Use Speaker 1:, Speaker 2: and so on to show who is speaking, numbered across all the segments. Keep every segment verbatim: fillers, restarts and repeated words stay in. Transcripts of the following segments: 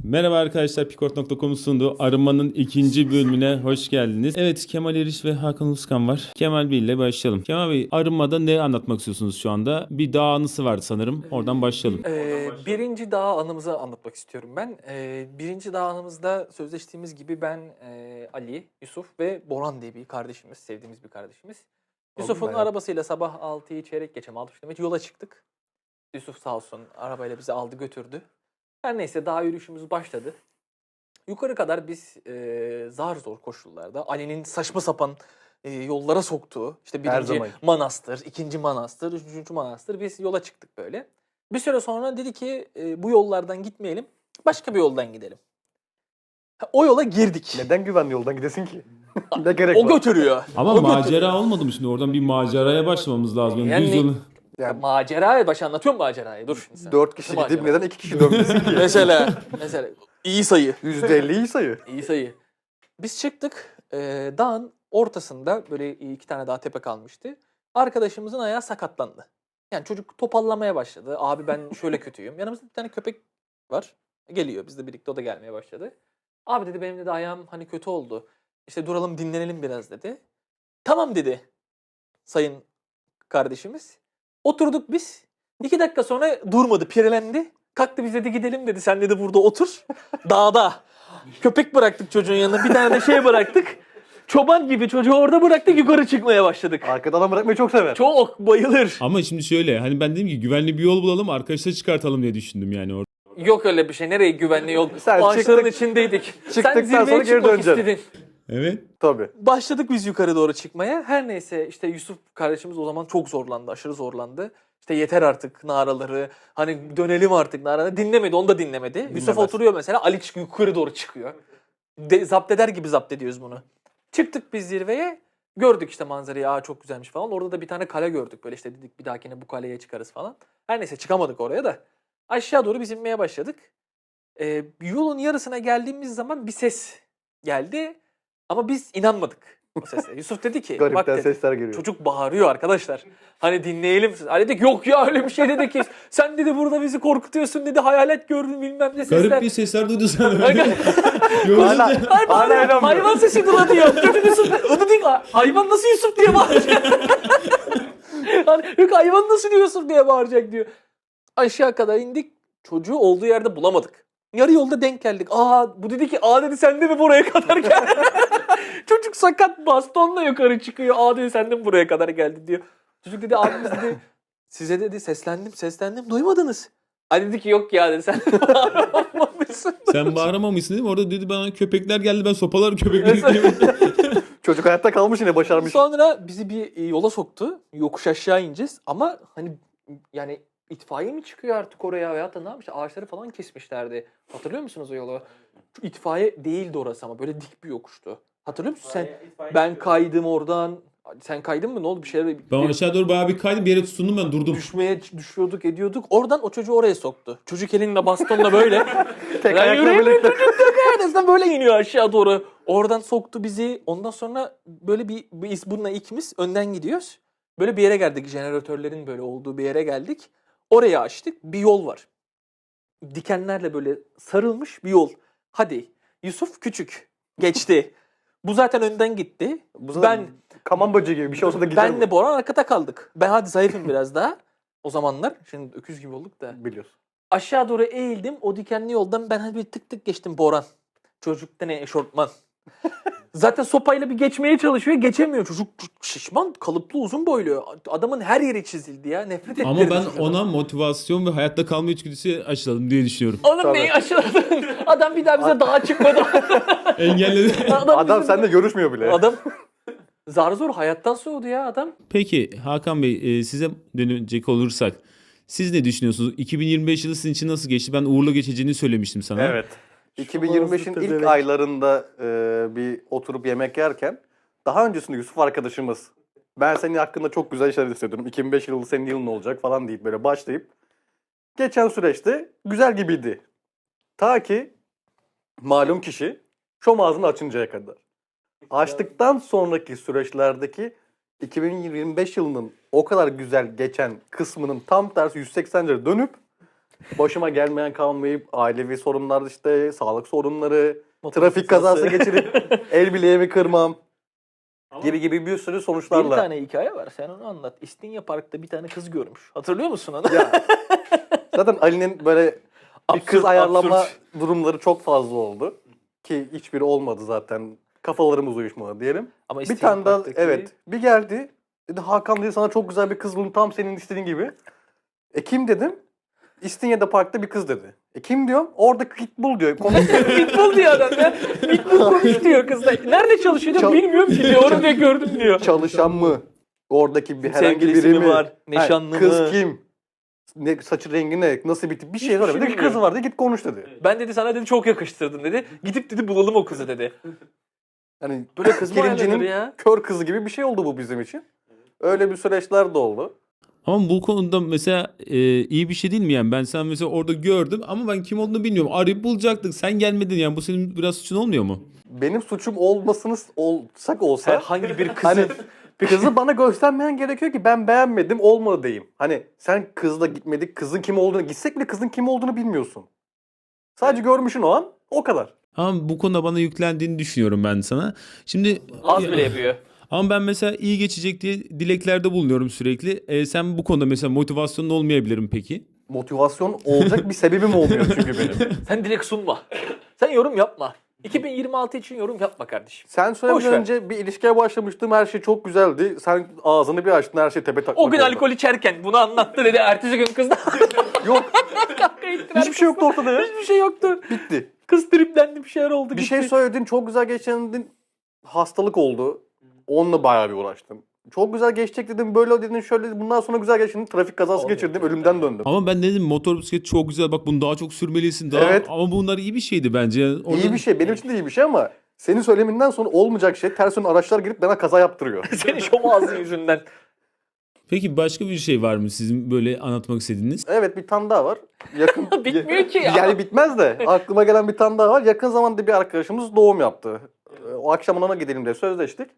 Speaker 1: Merhaba arkadaşlar, Pikort nokta com'un sunduğu Arınma'nın ikinci bölümüne hoş geldiniz. Evet, Kemal Eriş ve Hakan Uluskan var. Kemal Bey ile başlayalım. Kemal Bey, Arınma'da ne anlatmak istiyorsunuz şu anda? Bir dağ anısı vardı sanırım. Oradan başlayalım.
Speaker 2: Ee, birinci dağ anımızı anlatmak istiyorum ben. Ee, birinci dağ anımızda sözleştiğimiz gibi ben, e, Ali, Yusuf ve Boran diye bir kardeşimiz, sevdiğimiz bir kardeşimiz. Yusuf'un
Speaker 3: bayağı.
Speaker 2: arabasıyla sabah altıyı çeyrek geçe altı kilometre yola çıktık. Yusuf sağ olsun arabayla bizi aldı götürdü. Her neyse dağ yürüyüşümüz başladı. Yukarı kadar biz e, zar zor koşullarda Ali'nin saçma sapan e, yollara soktuğu, işte
Speaker 3: Her
Speaker 2: birinci
Speaker 3: zaman.
Speaker 2: manastır, ikinci manastır, üçüncü manastır, biz yola çıktık böyle. Bir süre sonra dedi ki e, bu yollardan gitmeyelim, başka bir yoldan gidelim. Ha, O yola girdik.
Speaker 3: Neden güvenli yoldan gidesin ki? Ne gerek
Speaker 2: O
Speaker 3: var?
Speaker 2: götürüyor.
Speaker 1: Ama
Speaker 2: O
Speaker 1: macera
Speaker 2: götürüyor.
Speaker 1: olmadı mı şimdi? Oradan bir maceraya başlamamız lazım. Yani
Speaker 2: Yani-
Speaker 1: düz yolu...
Speaker 2: Ya,
Speaker 3: Yani
Speaker 2: maceraya baş anlatıyorum macerayı. Dur şimdi sen.
Speaker 3: dört kişi
Speaker 2: Nasıl
Speaker 3: gidip
Speaker 2: macera?
Speaker 3: neden iki kişi dönmesin ki?
Speaker 2: Mesela, mesela iyi sayı.
Speaker 3: yüzde elli iyi sayı.
Speaker 2: İyi sayı. Biz çıktık. E, dağın ortasında böyle iki tane daha tepe kalmıştı. Arkadaşımızın ayağı sakatlandı. Yani çocuk topallamaya başladı. Abi ben şöyle kötüyüm. Yanımızda bir tane köpek var. Geliyor. Bizle birlikte o da gelmeye başladı. Abi dedi benim de ayağım hani kötü oldu. İşte duralım dinlenelim biraz dedi. Tamam dedi sayın kardeşimiz. Oturduk biz. İki dakika sonra durmadı, pirelendi. Kalktı biz dedi gidelim dedi. Sen dedi burada otur. Dağda. Köpek bıraktık çocuğun yanına. Bir tane de şey bıraktık. Çoban gibi çocuğu orada bıraktık yukarı çıkmaya başladık.
Speaker 3: Arkada adam bırakmayı çok sever.
Speaker 2: Çok bayılır.
Speaker 1: Ama şimdi şöyle, hani ben dedim ki güvenli bir yol bulalım, arkadaşlar çıkartalım diye düşündüm yani orada.
Speaker 2: Yok öyle bir şey. Nereye güvenli yol?
Speaker 3: Sen
Speaker 2: Ağaçların
Speaker 3: çıktık-
Speaker 2: içindeydik. Sen
Speaker 3: çıktıktan
Speaker 2: zirveye
Speaker 3: sonra geri
Speaker 2: çıkmak
Speaker 3: döneceksin.
Speaker 2: istedin.
Speaker 1: Evet.
Speaker 3: Tabii.
Speaker 2: Başladık biz yukarı doğru çıkmaya. Her neyse işte Yusuf kardeşimiz o zaman çok zorlandı. Aşırı zorlandı. İşte yeter artık naraları. Hani dönelim artık naraları. Dinlemedi. Onu da dinlemedi. Yusuf
Speaker 3: Dinlemez.
Speaker 2: oturuyor mesela. Ali çıkıyor, yukarı doğru çıkıyor. De, zapt eder gibi zapt ediyoruz bunu. Çıktık biz zirveye. Gördük işte manzarayı. Aa çok güzelmiş falan. Orada da bir tane kale gördük. Böyle işte dedik bir dahakine bu kaleye çıkarız falan. Her neyse çıkamadık oraya da. Aşağı doğru biz inmeye başladık. Ee, yolun yarısına geldiğimiz zaman bir ses geldi. Ama biz inanmadık o sese. Yusuf dedi ki bak
Speaker 3: Garipten
Speaker 2: dedi,
Speaker 3: sesler geliyor.
Speaker 2: çocuk bağırıyor arkadaşlar. Hani dinleyelim. Ali dedi yok ya öyle bir şey dedi ki. Sen dedi burada bizi korkutuyorsun dedi. Hayalet gördün bilmem ne sesler.
Speaker 1: Garip bir sesler duydu sanırım.
Speaker 3: Hala,
Speaker 1: Yolunca...
Speaker 2: Hayır,
Speaker 3: hala
Speaker 2: bağırıyor.
Speaker 3: inanmıyor.
Speaker 2: Hayvan sesi dura diyor. Çocuk Yusuf. Onu değil. Hayvan nasıl Yusuf diye bağıracak. Hani, yok hayvan nasıl Yusuf diye bağıracak diyor. Aşağı kadar indik. Çocuğu olduğu yerde bulamadık. Yarı yolda denk geldik. Aa bu dedi ki aa dedi sen de mi buraya kadar geldin? Çocuk sakat bastonla yukarı çıkıyor. Aa dedi sen de mi buraya kadar geldin diyor. Çocuk dedi abimiz dedi size dedi seslendim seslendim duymadınız. Ali dedi ki yok ya dedi sen bağırmamışsın.
Speaker 1: Sen bağıramamışsın değil mi? Orada dedi bana köpekler geldi, ben sopalar köpekleri.
Speaker 3: Çocuk hayatta kalmış yine başarmış.
Speaker 2: Sonra bizi bir e, yola soktu. Yokuş aşağı ineceğiz. Ama hani yani itfaiye mi çıkıyor artık oraya veyahut da ne yapmış? Ağaçları falan kesmişlerdi. Hatırlıyor musunuz o yolu? Şu itfaiye değildi orası ama böyle dik bir yokuştu. Hatırlıyor musun sen? Ben kaydım oradan. Sen kaydın mı? Ne oldu? Bir şeyler
Speaker 1: Ben aşağı doğru bayağı bir kaydım, bir yere tutundum, ben durdum.
Speaker 2: düşmeye düşüyorduk, ediyorduk. Oradan o çocuğu oraya soktu. Çocuk elinle bastonla böyle.
Speaker 3: Tek
Speaker 2: Ben
Speaker 3: ayakla
Speaker 2: yürüyemiyorum,
Speaker 3: birlikte.
Speaker 2: çocuk yok neredeyse böyle iniyor aşağı doğru. Oradan soktu bizi. Ondan sonra böyle bir biz bununla ikimiz önden gidiyoruz. Böyle bir yere geldik. Jeneratörlerin böyle olduğu bir yere geldik. Oraya açtık. Bir yol var. Dikenlerle böyle sarılmış bir yol. Hadi. Yusuf küçük. Geçti. Bu zaten önden gitti.
Speaker 3: Bu zaten
Speaker 2: Ben
Speaker 3: kaman böceği gibi bir şey olsa da gider
Speaker 2: benle Boran arkada kaldık. Ben hadi zayıfım biraz daha. O zamanlar. Şimdi öküz gibi olduk da.
Speaker 3: bu. Biliyorsun.
Speaker 2: Aşağı doğru eğildim. O dikenli yoldan ben hadi bir tık tık geçtim Boran. Çocukta ne eşortman. Zaten sopayla bir geçmeye çalışıyor. Geçemiyor. Çocuk şişman, kalıplı, uzun boylu. Adamın her yeri çizildi ya. Nefret ettirdi.
Speaker 1: Ama ben
Speaker 2: çocuğa.
Speaker 1: ona motivasyon ve hayatta kalma içgüdüsü aşıladım diye düşünüyorum.
Speaker 2: Oğlum
Speaker 3: Tabii.
Speaker 2: neyi aşıladın? Adam bir daha bize dağa çıkmadı.
Speaker 1: Engelledi.
Speaker 3: Adam
Speaker 2: bizi-
Speaker 3: seninle görüşmüyor bile.
Speaker 2: Adam zar zor hayattan soğudu ya adam.
Speaker 1: Peki Hakan Bey, e, size dönecek olursak siz ne düşünüyorsunuz? iki bin yirmi beş yılı sizin için nasıl geçti? Ben uğurlu geçeceğini söylemiştim sana.
Speaker 3: Evet. iki bin yirmi beşin ilk aylarında e, bir oturup yemek yerken daha öncesinde Yusuf arkadaşımız ben senin hakkında çok güzel şeyler hissediyorum. iki bin beş yılı senin yılın olacak falan deyip böyle başlayıp geçen süreçte güzel gibiydi. Ta ki malum kişi şom ağzını açıncaya kadar. Açtıktan sonraki süreçlerdeki iki bin yirmi beş yılının o kadar güzel geçen kısmının tam tersi yüz seksen derece dönüp başıma gelmeyen kalmayıp ailevi sorunlar işte, sağlık sorunları,
Speaker 2: Motor
Speaker 3: trafik
Speaker 2: kazası.
Speaker 3: kazası geçirip el bileğimi kırmam gibi gibi bir sürü
Speaker 2: Bir
Speaker 3: sonuçlarla.
Speaker 2: tane hikaye var. Sen onu anlat. İstinye Park'ta bir tane kız görmüş. Hatırlıyor musun onu?
Speaker 3: Ya, zaten Ali'nin böyle bir
Speaker 2: Absürt,
Speaker 3: kız ayarlama
Speaker 2: absürt.
Speaker 3: durumları çok fazla oldu. Ki hiçbiri olmadı zaten. Kafalarımız uyuşmadı diyelim.
Speaker 2: Ama
Speaker 3: Bir
Speaker 2: İstinye
Speaker 3: tane daha
Speaker 2: Park'taki-
Speaker 3: evet bir geldi. Dedi Hakan dedi sana çok güzel bir kız buldum tam senin istediğin gibi. E kim dedim? İstinye'de parkta bir kız dedi. E kim diyorum? Orada Pitbull diyor. Konuşuyor.
Speaker 2: Pitbull diyor adam ya. Pitbull konuş diyor kızla. Nerede çalışıyor diyor.
Speaker 3: Çal-
Speaker 2: Bilmiyorum ki diyor. Onu diyor gördüm diyor.
Speaker 3: Çalışan mı? Oradaki bir herhangi
Speaker 2: Sevgilisi
Speaker 3: biri
Speaker 2: mi
Speaker 3: mi?
Speaker 2: var?
Speaker 3: Ha,
Speaker 2: Nişanlı
Speaker 3: kız
Speaker 2: mı?
Speaker 3: kim? Ne, saçı rengi ne? Nasıl bir tip? Bir şey
Speaker 2: Hiçbir
Speaker 3: söylemedi.
Speaker 2: şey
Speaker 3: Bir kız
Speaker 2: bilmiyorum.
Speaker 3: var dedi git konuş dedi.
Speaker 2: Ben dedi sana dedi çok yakıştırdın dedi. Gidip dedi bulalım o kızı dedi.
Speaker 3: Yani
Speaker 2: Böyle kız mı
Speaker 3: Pirincinin
Speaker 2: ayarlanır ya?
Speaker 3: kör kızı gibi bir şey oldu bu bizim için. Öyle bir süreçler de oldu.
Speaker 1: Ama bu konuda mesela e, iyi bir şey değil mi yani? Ben sen mesela orada gördüm ama ben kim olduğunu bilmiyorum. Arayıp bulacaktık. Sen gelmedin yani. Bu senin biraz suçun olmuyor mu?
Speaker 3: Benim suçum olmasını olsak olsa
Speaker 2: Herhangi bir kızı.
Speaker 3: hani kızı bana göstermeyen gerekiyor ki ben beğenmedim olmadı diyeyim. Hani sen kızla gitmedik kızın kim olduğunu gitsek bile kızın kim olduğunu bilmiyorsun. Sadece görmüşsün o an o kadar.
Speaker 1: Ama bu konuda bana yüklendiğini düşünüyorum ben sana. Şimdi
Speaker 2: Az bile yapıyor.
Speaker 1: ama ben mesela iyi geçecek diye dileklerde bulunuyorum sürekli. E, sen bu konuda mesela motivasyonun olmayabilirim peki?
Speaker 3: Motivasyon olacak bir sebebim olmuyor çünkü benim.
Speaker 2: Sen direkt sunma. Sen yorum yapma. iki bin yirmi altı için yorum yapma kardeşim.
Speaker 3: Sen
Speaker 2: Boş
Speaker 3: söylemeden
Speaker 2: ver.
Speaker 3: önce bir ilişkiye başlamıştım her şey çok güzeldi. Sen ağzını bir açtın her şey tepe taklak
Speaker 2: O gün
Speaker 3: oldu.
Speaker 2: alkol içerken bunu anlattı dedi. Ertesi gün kız da
Speaker 3: Yok
Speaker 2: kavga ettiler.
Speaker 3: hiçbir şey yoktu ortada ya.
Speaker 2: Hiçbir şey yoktu.
Speaker 3: Bitti.
Speaker 2: Kız triplendi bir şeyler oldu.
Speaker 3: Bir
Speaker 2: gitti.
Speaker 3: şey söyledin çok güzel geçendin hastalık oldu. Onunla bayağı bir uğraştım. Çok güzel geçecek dedim böyle dedin şöyle dedin bundan sonra güzel geçtin trafik kazası
Speaker 2: Olmuyor
Speaker 3: geçirdim
Speaker 2: tabii.
Speaker 3: ölümden döndüm.
Speaker 1: Ama ben dedim motor bisiklet çok güzel bak bunu daha çok sürmelisin. Daha...
Speaker 3: Evet.
Speaker 1: Ama bunlar iyi bir şeydi bence. Yani orada-
Speaker 3: İyi bir şey benim için de iyi bir şey ama senin söyleminden sonra olmayacak şey ters yön araçlar girip bana kaza yaptırıyor.
Speaker 2: Senin şom ağzın yüzünden.
Speaker 1: Peki başka bir şey var mı sizin böyle anlatmak istediğiniz?
Speaker 3: Evet bir tane daha var. Yakın
Speaker 2: Bitmiyor ki ya.
Speaker 3: Yani bitmez de aklıma gelen bir tane daha var. Yakın zamanda bir arkadaşımız doğum yaptı. Ee, O akşam ona gidelim diye sözleştik.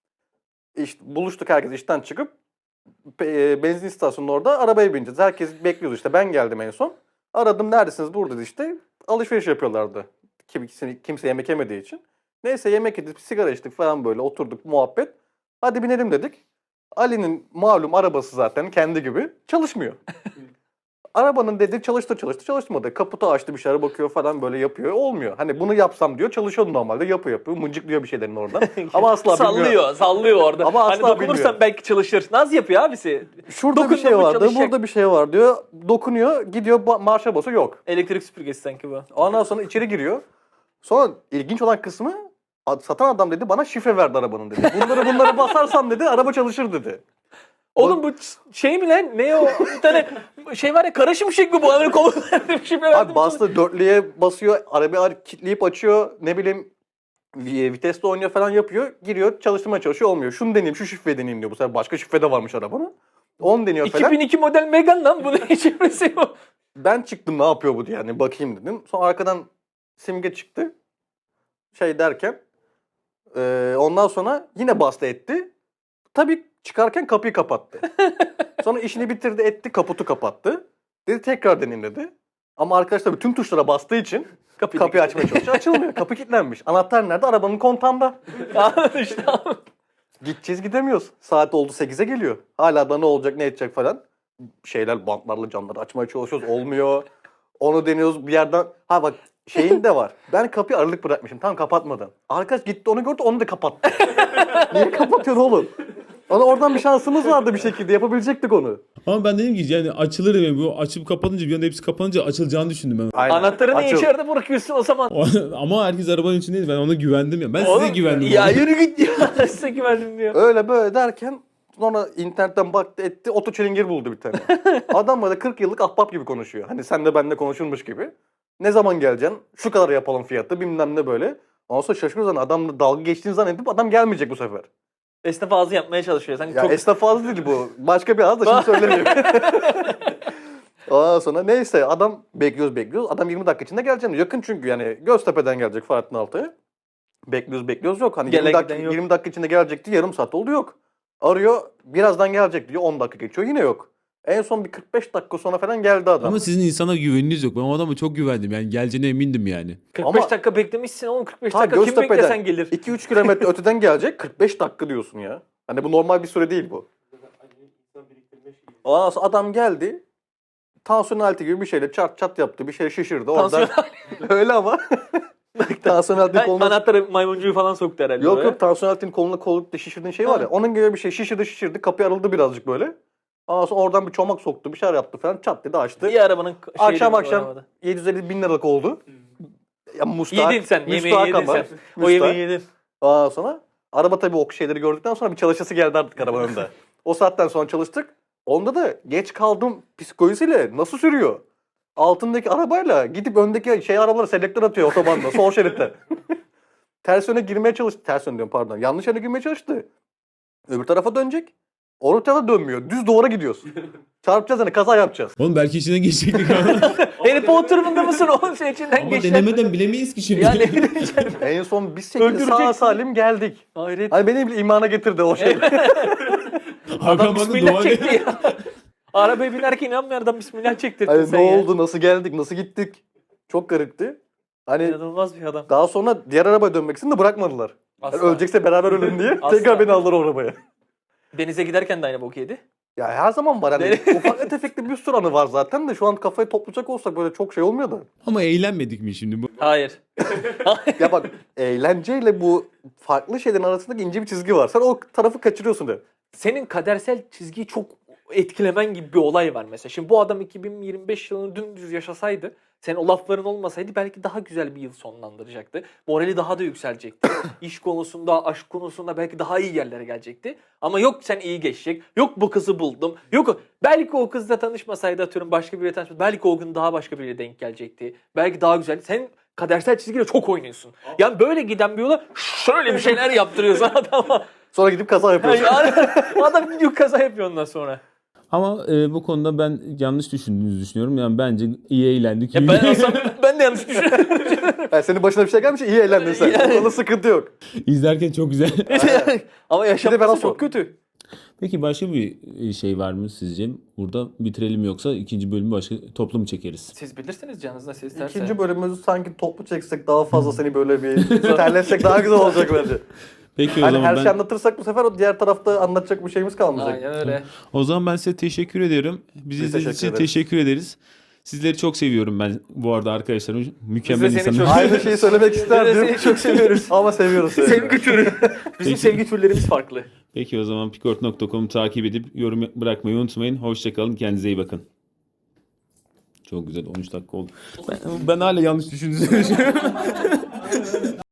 Speaker 3: İşte buluştuk herkes işten çıkıp pe- e, benzin istasyonunda orada arabaya bineceğiz. Herkes bekliyordu işte. Ben geldim en son. Aradım neredesiniz burada dedi işte. Alışveriş yapıyorlardı. Kimse, kimse yemek yemediği için. Neyse yemek yedik, sigara içtik falan böyle oturduk muhabbet. Hadi binelim dedik. Ali'nin malum arabası zaten kendi gibi çalışmıyor. Arabanın dedi çalıştı çalıştı çalışmadı. Kaputu açtı bir şeyler bakıyor falan böyle yapıyor. Olmuyor. Hani bunu yapsam diyor çalışıyor normalde yapıyor yapıyor. Mıncıklıyor bir şeylerin oradan. Ama asla
Speaker 2: sallıyor,
Speaker 3: bilmiyor.
Speaker 2: sallıyor orada.
Speaker 3: Ama
Speaker 2: hani
Speaker 3: asla
Speaker 2: dokunursan
Speaker 3: bilmiyor.
Speaker 2: belki çalışır. Naz yapıyor abisi.
Speaker 3: Şurada
Speaker 2: Dokundun
Speaker 3: bir şey
Speaker 2: mu
Speaker 3: var diyor.
Speaker 2: çalışacak.
Speaker 3: Burada bir şey var diyor. Dokunuyor gidiyor ba- marşa basıyor yok.
Speaker 2: Elektrik süpürgesi sanki bu.
Speaker 3: Ondan sonra içeri giriyor. Sonra ilginç olan kısmı ad- satan adam dedi bana şifre verdi arabanın dedi. Bunları bunları basarsam dedi araba çalışır dedi.
Speaker 2: Oğlum bu ç- şey mi lan? Ne o? Bir tane şey var ya kara şimşek mi bu? Hani kolu verdim şimdi verdim.
Speaker 3: Abi bastı dörtlüye basıyor arabayı kilitleyip açıyor ne bileyim vi- vitesle oynuyor falan yapıyor. Giriyor çalıştırmaya çalışıyor olmuyor. Şunu deneyeyim şu şifreyi deneyeyim diyor. Bu sefer başka şifre de varmış arabanın. On deniyor falan.
Speaker 2: iki bin iki model Megane lan bunun şifresi bu.
Speaker 3: Ben çıktım ne yapıyor bu diye yani bakayım dedim. Sonra arkadan simge çıktı. Şey derken eee, ondan sonra yine bastı etti. Tabii çıkarken kapıyı kapattı. Sonra işini bitirdi etti kaputu kapattı. Dedi tekrar deneyin dedi. Ama arkadaş tabii tüm tuşlara bastığı için
Speaker 2: Kapıyı,
Speaker 3: kapıyı açmaya çalışıyor. Açılmıyor. Kapı kilitlenmiş. Anahtar nerede? Arabanın kontağında.
Speaker 2: Anladın işte.
Speaker 3: Gideceğiz gidemiyoruz. Saat oldu sekize geliyor. Hala da ne olacak ne edecek falan. Şeyler bantlarla camları açmaya çalışıyoruz. Olmuyor. Onu deniyoruz bir yerden. Ha bak şeyin de var. Ben kapıyı aralık bırakmışım. Tam kapatmadan. Arkadaş gitti onu gördü onu da kapattı. Niye kapatıyorsun oğlum? Ona oradan bir şansımız vardı bir şekilde. Yapabilecektik onu.
Speaker 1: Ama ben dedim ki yani açılır yani bu açıp kapanınca bir anda hepsi kapanınca açılacağını düşündüm ben.
Speaker 3: Aynen.
Speaker 2: Anahtarını
Speaker 3: Açıl.
Speaker 2: içeride bırakıyorsun o zaman.
Speaker 1: Ama herkes arabanın içindeydi. Ben ona güvendim ya. Ben
Speaker 2: Oğlum,
Speaker 1: size güvendim.
Speaker 2: Ya
Speaker 1: oğlum.
Speaker 2: yürü git ya. Size güvendim diyor.
Speaker 3: Öyle böyle derken sonra internetten baktı etti. Oto çilingir buldu bir tane. Adam böyle kırk yıllık ahbap gibi konuşuyor. Hani sen de benimle konuşulmuş gibi. Ne zaman geleceksin? Şu kadar yapalım fiyatı bilmem ne böyle. Ondan sonra şaşırıyoruz hani adamla dalga geçtiğini zannedip adam gelmeyecek bu sefer.
Speaker 2: Esnaf ağzı yapmaya çalışıyor. Sanki
Speaker 3: Ya
Speaker 2: çok...
Speaker 3: esnaf ağzı değil bu. Başka bir ağız da şimdi söylemiyorum. Ondan sonra neyse adam bekliyoruz bekliyoruz. Adam yirmi dakika içinde geleceğim. Yakın çünkü yani Göztepe'den gelecek Fahrettin Altay'a. Bekliyoruz bekliyoruz yok. Hani
Speaker 2: Gelen
Speaker 3: yirmi dakika,
Speaker 2: giden yok.
Speaker 3: yirmi dakika içinde gelecekti yarım saat oldu yok. Arıyor birazdan gelecek diyor on dakika geçiyor yine yok. En son bir kırk beş dakika sonra falan geldi adam.
Speaker 1: Ama sizin insana güveniniz yok. Ben o adama çok güvendim. Yani geleceğine emindim yani.
Speaker 2: kırk beş
Speaker 3: Ama-
Speaker 2: dakika beklemişsin oğlum, kırk beş
Speaker 3: Ta
Speaker 2: dakika kim
Speaker 3: Göztepe'den
Speaker 2: beklesen gelir.
Speaker 3: iki üç kilometre öteden gelecek, kırk beş dakika diyorsun ya. Hani bu normal bir süre değil bu. Ondan sonra adam geldi. Tansiyon aleti gibi bir şeyle çat çat yaptı. Bir şey şişirdi. Oradan
Speaker 2: Tansiyon
Speaker 3: öyle ama. tansiyon aletinin koluna...
Speaker 2: anahtarı maymuncuğu falan soktu herhalde.
Speaker 3: Yok
Speaker 2: oraya.
Speaker 3: yok tansiyon aletinin koluna kollukta şişirdiğin şey var ya.
Speaker 2: Ha.
Speaker 3: Onun gibi bir şey şişirdi şişirdi. Kapı arıldı birazcık böyle. Ondan sonra oradan bir çomak soktu. Bir şeyler yaptı falan. Çat dedi açtı.
Speaker 2: İyi arabanın şeyi
Speaker 3: Akşam
Speaker 2: de
Speaker 3: akşam
Speaker 2: arabada.
Speaker 3: yedi yüz elli bin liralık oldu. Ya müstahak,
Speaker 2: Yedin sen, yemeği
Speaker 3: müstahak
Speaker 2: yedin
Speaker 3: ama.
Speaker 2: sen. O
Speaker 3: Müstahak.
Speaker 2: yemeği yedin.
Speaker 3: Ondan sonra araba tabii o şeyleri gördükten sonra bir çalışası geldi artık arabanın önünde. O saatten sonra çalıştık. Onda da geç kaldım psikolojisiyle nasıl sürüyor? Altındaki arabayla gidip öndeki şey arabalara selektör atıyor otobanda sol şeritte. Ters yöne girmeye çalıştı. Ters yöne diyorum pardon. Yanlış yöne girmeye çalıştı. Öbür tarafa dönecek. Öbür tarafa dönmüyor. Düz duvara gidiyoruz. Çarpacağız hani kaza yapacağız.
Speaker 1: Oğlum belki içinden geçecektik ama.
Speaker 2: Harry Potter'ında mısın oğlum, şey içinden
Speaker 1: ama
Speaker 2: geçen.
Speaker 1: denemeden bilemeyiz ki şimdi.
Speaker 2: Yani
Speaker 3: En son biz şekilde sağ
Speaker 2: Öldüreceksin.
Speaker 3: salim geldik.
Speaker 2: hayret.
Speaker 3: Hani beni bile imana getirdi o şey.
Speaker 1: Hakan
Speaker 2: Adam
Speaker 1: bana
Speaker 2: bismillah
Speaker 1: dua
Speaker 2: çekti ya. Arabaya binerken inanmıyor adam, bismillah çektirdi
Speaker 3: Hani
Speaker 2: sen
Speaker 3: ne
Speaker 2: ya.
Speaker 3: oldu, nasıl geldik, nasıl gittik? Çok garipti. Hani
Speaker 2: İnanılmaz bir adam.
Speaker 3: daha sonra diğer arabaya dönmek için de bırakmadılar. Yani
Speaker 2: Asla.
Speaker 3: ölecekse beraber ölelim diye
Speaker 2: Asla.
Speaker 3: tekrar beni aldılar o arabaya.
Speaker 2: Denize giderken de aynı bok yedi.
Speaker 3: Ya her zaman var hani
Speaker 2: Ne?
Speaker 3: ufak tefekli bir sürü anı var zaten de şu an kafayı toplayacak olsak böyle çok şey olmuyor da.
Speaker 1: Ama eğlenmedik mi şimdi bu?
Speaker 2: Hayır.
Speaker 3: Ya bak eğlenceyle bu farklı şeylerin arasındaki ince bir çizgi var. Sen o tarafı kaçırıyorsun de.
Speaker 2: Senin kadersel çizgiyi çok etkilemen gibi bir olay var mesela. Şimdi bu adam iki bin yirmi beş yılını dümdüz yaşasaydı, senin o lafların olmasaydı belki daha güzel bir yıl sonlandıracaktı. Morali daha da yükselecekti. İş konusunda, aşk konusunda belki daha iyi yerlere gelecekti. Ama yok sen iyi geçecek, yok bu kızı buldum, yok belki o kızla tanışmasaydı, atıyorum başka biriyle tanışmasaydı, belki o gün daha başka biriyle denk gelecekti. Belki daha güzel. Sen kadersel çizgiyle çok oynuyorsun. Yani böyle giden bir yola şöyle bir şeyler yaptırıyorsun adama.
Speaker 3: Sonra gidip kaza yapıyorsun.
Speaker 2: Yani adam gidiyor kaza yapıyor ondan sonra.
Speaker 1: Ama e, bu konuda ben yanlış düşündüğünüzü düşünüyorum. Yani bence iyi eğlendik.
Speaker 2: Ya ben olsam ben de yanlış düşünüyorum.
Speaker 3: Yani senin başına bir şey gelmiş iyi eğlendin sen.
Speaker 2: Yani.
Speaker 3: Onda sıkıntı yok.
Speaker 1: İzlerken çok güzel.
Speaker 2: Ama
Speaker 3: Bir de ben
Speaker 2: yaşaması
Speaker 3: olsam.
Speaker 2: çok kötü.
Speaker 1: Peki başka bir şey var mı sizce? Burada bitirelim yoksa ikinci bölümü başka toplu mu çekeriz?
Speaker 2: Siz bilirsiniz canınız nasıl isterse.
Speaker 3: İkinci bölümümüzü sanki toplu çeksek daha fazla seni böyle bir terletsek daha güzel olacak bence.
Speaker 1: Peki o
Speaker 3: Hani
Speaker 1: zaman
Speaker 3: her
Speaker 1: ben
Speaker 3: şeyi anlatırsak bu sefer o diğer tarafta anlatacak bir şeyimiz kalmayacak.
Speaker 2: Aynen öyle.
Speaker 1: o zaman ben size teşekkür ediyorum. Bizi
Speaker 3: Biz
Speaker 1: izlediğiniz için
Speaker 3: teşekkür ederiz.
Speaker 1: teşekkür ederiz. Sizleri çok seviyorum ben bu arada arkadaşlarım. Mükemmel
Speaker 2: Biz de seni
Speaker 1: insanlar.
Speaker 2: çok-
Speaker 3: Aynı şeyi söylemek
Speaker 2: Biz de
Speaker 3: isterdim.
Speaker 2: seni çok seviyoruz.
Speaker 3: Ama seviyoruz seni.
Speaker 2: Sevgi türü. Bizim sevgi türlerimiz farklı.
Speaker 1: Peki o zaman pikort nokta com'u takip edip yorum bırakmayı unutmayın. Hoşçakalın. Kendinize iyi bakın. Çok güzel. on üç dakika oldu. Ben, ben hala yanlış düşündüğünü düşünüyorum.